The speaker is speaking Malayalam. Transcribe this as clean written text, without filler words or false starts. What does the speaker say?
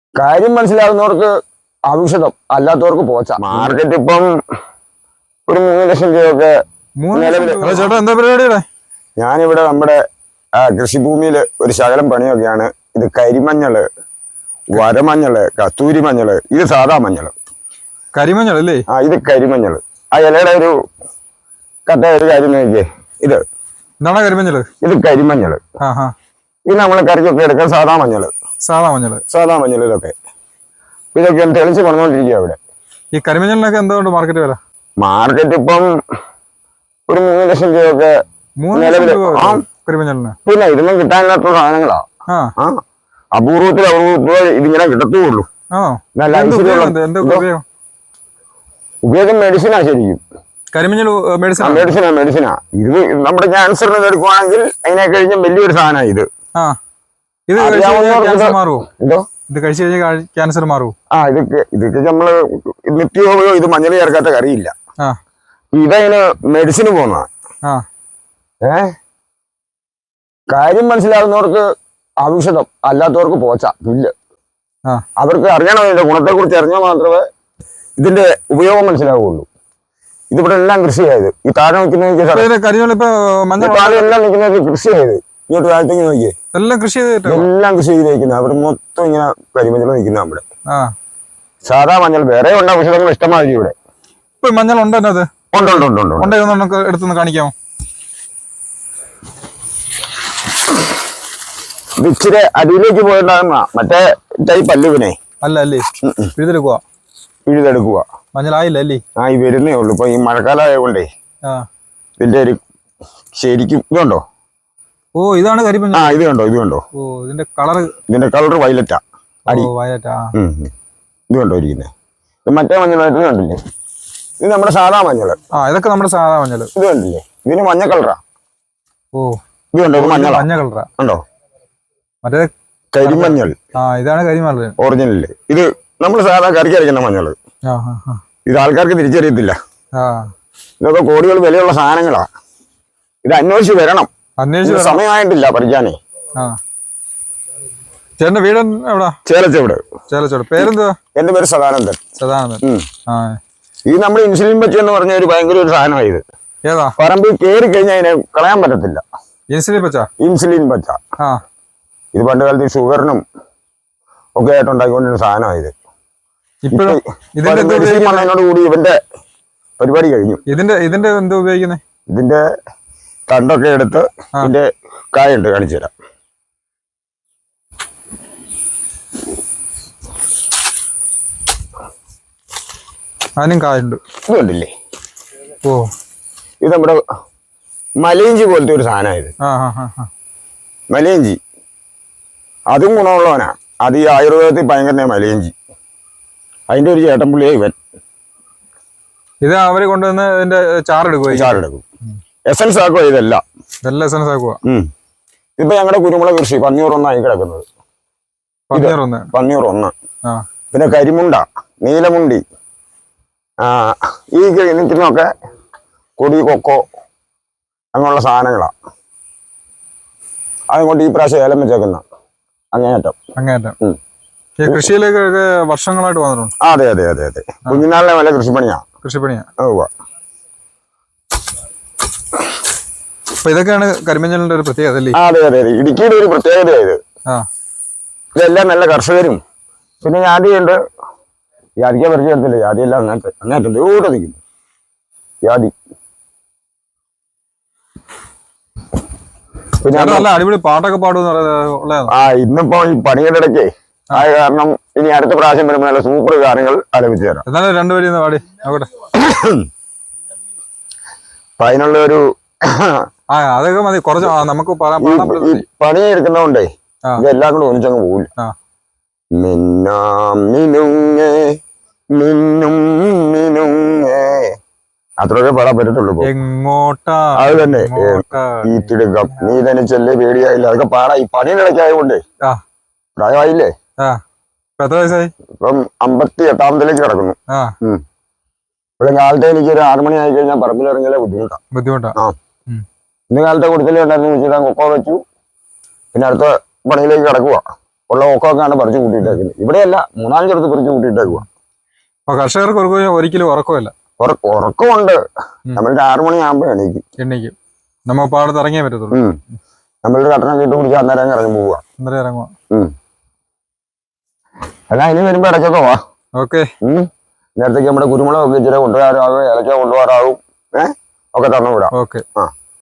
കാര്യം മനസ്സിലാകുന്നവർക്ക് ഔഷധം, അല്ലാത്തവർക്ക് പോച്ച. മാർക്കറ്റ് ഇപ്പം ഒരു 3 ലക്ഷം രൂപയൊക്കെ. ചേട്ടാ എന്താ പരിപാടിയുടെ? ഞാനിവിടെ നമ്മുടെ കൃഷിഭൂമിയില് ഒരു ശകലം പണിയൊക്കെയാണ്. ഇത് കരിമഞ്ഞള്, വരമഞ്ഞള്, കസ്തൂരി മഞ്ഞള്, ഇത് സാധാ മഞ്ഞള്. കരിമഞ്ഞൾ അല്ലേ? ഇത് കരിമഞ്ഞള്. ആ ഇലയുടെ ഒരു കട്ട ഒരു കാര്യം നോക്കിയേ. ഇത് എന്താണ് കരിമഞ്ഞള്? ഇത് കരിമഞ്ഞള്. ഇത് നമ്മള് കറിക്കൊക്കെ എടുക്കാൻ സാധാ മഞ്ഞള്. സാധാ മഞ്ഞള് ഇതൊക്കെ തെളിച്ച് പറഞ്ഞുകൊണ്ടിരിക്കുക ഇവിടെ. ഈ കരിമഞ്ഞളിനൊക്കെ എന്തുകൊണ്ട് മാർക്കറ്റ് വില? മാർക്കറ്റ് ഇപ്പം ഒരു 3 ലക്ഷം രൂപയൊക്കെ. പിന്നെ ഇതൊന്നും കിട്ടാനില്ലാത്ത സാധനങ്ങളാ. അപൂർവത്തിൽ ഇതിങ്ങനെ കിട്ടത്തുള്ളൂ. ഉപയോഗം മെഡിസിനാ. ശരിക്കും മെഡിസിനാ. ഇത് നമ്മുടെ ക്യാൻസറിന് എടുക്കുവാണെങ്കിൽ അതിനെ കഴിഞ്ഞ വലിയൊരു സാധനം ഇത്. ക്യാൻസർ മാറുമോ? ഇതൊക്കെ നമ്മള് നിത്യോപയോഗം. ഇത് മഞ്ഞൾ ചേർക്കാത്ത കറിയില്ല. ഇതതിന് മെഡിസിന് പോകുന്ന. കാര്യം മനസ്സിലാകുന്നവർക്ക് ഔഷധം, അല്ലാത്തവർക്ക് പോച്ച, പുല്ല്. അവർക്ക് അറിയണം ഇതിന്റെ ഗുണത്തെ കുറിച്ച് അറിഞ്ഞാൽ മാത്രമേ ഇതിന്റെ ഉപയോഗം മനസ്സിലാവുള്ളൂ. ഇതിവിടെ എല്ലാം കൃഷിയായത്. ഈ താഴെ നിൽക്കുന്ന എല്ലാം നിൽക്കുന്നത് കൃഷിയായത്. ഇങ്ങോട്ട് താഴത്തേക്ക് നോക്കിയേ, എല്ലാം കൃഷി ചെയ്തേക്കുന്നത്. അവിടെ മൊത്തം ഇങ്ങനെ കരിമഞ്ഞൾ നിൽക്കുന്ന. നമ്മുടെ സാധാ മഞ്ഞൾ വേറെ ഉണ്ട്. ഔഷധങ്ങൾ ഇഷ്ടമാതിരി ഇവിടെ. മഞ്ഞൾ ഉണ്ടോ? ഉണ്ട്. എടുത്തൊന്ന് കാണിക്കാമോ? ഇച്ചിരി അടിയിലേക്ക് പോയിട്ടുണ്ടാകുന്ന മറ്റേ ടൈപ്പ് അല്ലുവിനെ അല്ലേ? പിഴുതെടുക്കുക. മഞ്ഞളായില്ല അല്ലേ? ഈ വരുന്നേ ഉള്ളു. ഇപ്പൊ ഈ മഴക്കാലം ആയതുകൊണ്ടേ ഇതിന്റെ ഒരു ശരിക്കും ഇതുണ്ടോ? ഇതാണ് കരിമഞ്ഞൾ. ഇത് കണ്ടോ? ഇതിന്റെ കളർ വയലറ്റാ. ഇത് കണ്ടോ ഇരിക്കുന്നത്? ഇത് മറ്റേ മഞ്ഞളായിട്ട് കണ്ടില്ലേ? ഇത് നമ്മുടെ സാധാ മഞ്ഞള്. ഇതൊക്കെ നമ്മുടെ സാധാ മഞ്ഞള്. ഇത് കണ്ടില്ലേ? ഇതിന് മഞ്ഞ കളറാ. ഇത് കണ്ടോ? ഇത് മഞ്ഞ കളറാ. കണ്ടോ? മറ്റേ കരിമഞ്ഞൾ. ഇതാണ് കരിമഞ്ഞൾ ഒറിജിനല്. ഇത് നമ്മൾ സാധാ കറിക്ക് അരയ്ക്കുന്ന മഞ്ഞള്. ഇത് ആൾക്കാർക്ക് തിരിച്ചറിയത്തില്ല. ഇതൊക്കെ കോടികൾ വിലയുള്ള സാധനങ്ങളാ. ഇത് അന്വേഷിച്ച് വരണം. സമയമായിട്ടില്ല പറിക്കാനേ. ചേട്ടന്റെ വീട് എവിടാ? ചേലച്ചോട്. പേരെന്തുവാ? എന്റെ പേര് സദാനന്ദൻ. ഇത് നമ്മൾ ഇൻസുലിൻ പച്ച എന്ന് പറഞ്ഞ ഒരു ഭയങ്കര ഒരു സാധനമാണ്. ഇത് പറമ്പിൽ കയറി കഴിഞ്ഞാൽ അതിനെ കളയാൻ പറ്റത്തില്ല. ഇൻസുലിൻ പച്ച. ഇത് പണ്ട് കാലത്ത് ഷുഗറിനും ഒക്കെ ആയിട്ട് ഉണ്ടാക്കിക്കൊണ്ടിരുന്ന സാധനമാണ്. ഇത് കൂടി ഇവന്റെ പരിപാടി കഴിഞ്ഞു. ഇതിന്റെ എന്താ ഉപയോഗിക്കുന്നത്? ഇതിന്റെ തണ്ടൊക്കെ എടുത്ത് ഇതിന്റെ കായുണ്ട്, കാണിച്ചു തരാം. അതിനും കായുണ്ട്. ഇത് കണ്ടില്ലേ? ഇത് നമ്മുടെ മലയിഞ്ചി പോലത്തെ ഒരു സാധനമായത്. മലയിഞ്ചി അതും ഗുണമുള്ളവനാ. അത് ഈ ആയുർവേദത്തിൽ ഭയങ്കര മലയിഞ്ചി. അതിന്റെ ഒരു ചേട്ടൻപുള്ളിയെ ഇവൻ. ഇത് അവര് കൊണ്ടുവന്ന് ഇതിന്റെ ചാറെടുക്കും. എസൻസ് ആക്കുക. ഇതെല്ലാം എസൻസ് ആക്കുക. ഇപ്പൊ ഞങ്ങളുടെ കുരുമുളക് കൃഷി പന്നിയൂറൊന്നായി കിടക്കുന്നത്. പന്നിയൂർ 1. പിന്നെ കരിമുണ്ട, നീലമുണ്ടി, ഈ നിൽക്കുന്നൊക്കെ കൊടി, കൊക്കോ അങ്ങനെയുള്ള സാധനങ്ങളാ. അതുകൊണ്ട് ഈ പ്രാവശ്യം ഏലം വെച്ചേക്കുന്ന അങ്ങേയറ്റം. കൃഷിയിലേക്ക് വർഷങ്ങളായിട്ട് വന്നിട്ടുണ്ട്. അതെ. കുഞ്ഞുനാളിലെ വല്ല കൃഷിപ്പണിയാ. ഇതൊക്കെയാണ് കരിമഞ്ഞളിന്റെ ഒരു പ്രത്യേകത അല്ലേ? അതെ. ഇടുക്കിയുടെ ഒരു പ്രത്യേകതയായത്. ഇതെല്ലാം നല്ല കർഷകരും. പിന്നെ ജാതിയുണ്ട്. ജാതിക്ക് പരിചയത്തില്ല. ജാതിയെല്ലാം അങ്ങനത്തെ ദൂരെ നിൽക്കുന്നു. ജാതി പിന്നെ നല്ല അടിപൊളി പാട്ടൊക്കെ പാടുന്ന. ഇന്നിപ്പോ ഈ പണിയുടെ ഇടയ്ക്കേ ആയ കാരണം ഇനി അടുത്ത പ്രാവശ്യം വരുമ്പോൾ നല്ല സൂപ്പർ ഗാനങ്ങൾ ആലപിച്ചു തരാം. എന്നാലും രണ്ടുപേരും പാടി നോക്കട്ടെ. അപ്പൊ അതിനുള്ള ഒരു അതൊക്കെ മതി. കുറച്ച് നമുക്ക് പണി എടുക്കുന്നതുകൊണ്ടേ ഇതെല്ലാം കൂടെ ഒന്നിച്ചങ്ങ് പോകില്ല. അത്രയൊക്കെ പാടാൻ പറ്റത്തുള്ളൂ. അത് തന്നെ. ഈ തിടുക്കം നീ തനിച്ചല്ലേ പേടിയായില്ല. അതൊക്കെ പാടാ. ഈ പണിയുടെ ഇടയ്ക്കായതുകൊണ്ടേ പ്രായമായില്ലേ. ഇപ്പം 58ാമത്തിലേക്ക് കിടക്കുന്നു. ഇവിടെ കാലത്തെ എനിക്ക് ഒരു 6 മണി ആയി കഴിഞ്ഞാൽ പറമ്പിലിറങ്ങിയാലേ ബുദ്ധിമുട്ടാ. ഇന്ന് കാലത്തെ കൊടുത്തലേ ഉണ്ടായിരുന്നു. വെച്ചിട്ട് കൊക്കോ വെച്ചു. പിന്നെ അടുത്ത പണിയിലേക്ക് കിടക്കുക. ഉള്ള ഓക്കമൊക്കെയാണ് പറിച്ചു കൂട്ടിയിട്ടേക്കുന്നത്. ഇവിടെയല്ല, 3-4 ചെറുത്ത് പറിച്ചു കൂട്ടിയിട്ടേക്കുക. അപ്പൊ കർഷകർക്ക് ഒരിക്കലും ഉറക്കമില്ല. ഉറക്കമുണ്ട്. നമ്മൾ 6 മണിയാകുമ്പോ എണീക്കും. നമ്മ പാടത്ത് ഇറങ്ങിയേ പറ്റത്തുള്ളൂ. നമ്മളൊരു കട്ടണം ഇട്ട് കുടിച്ച് അന്നേരം ഇറങ്ങി പോവുക. അല്ല, ഇനി വരുമ്പോ ഇടയ്ക്കൊക്കെ വാ. ഓക്കെ. നേരത്തേക്ക് നമ്മുടെ കുരുമുളകൊക്കെ ഇച്ചിരി കൊണ്ടുവരാറാകും, ഇലക്ക കൊണ്ടുപോകാറാകും. ഒക്കെ തന്നു വിടാം. ഓക്കെ. ആ.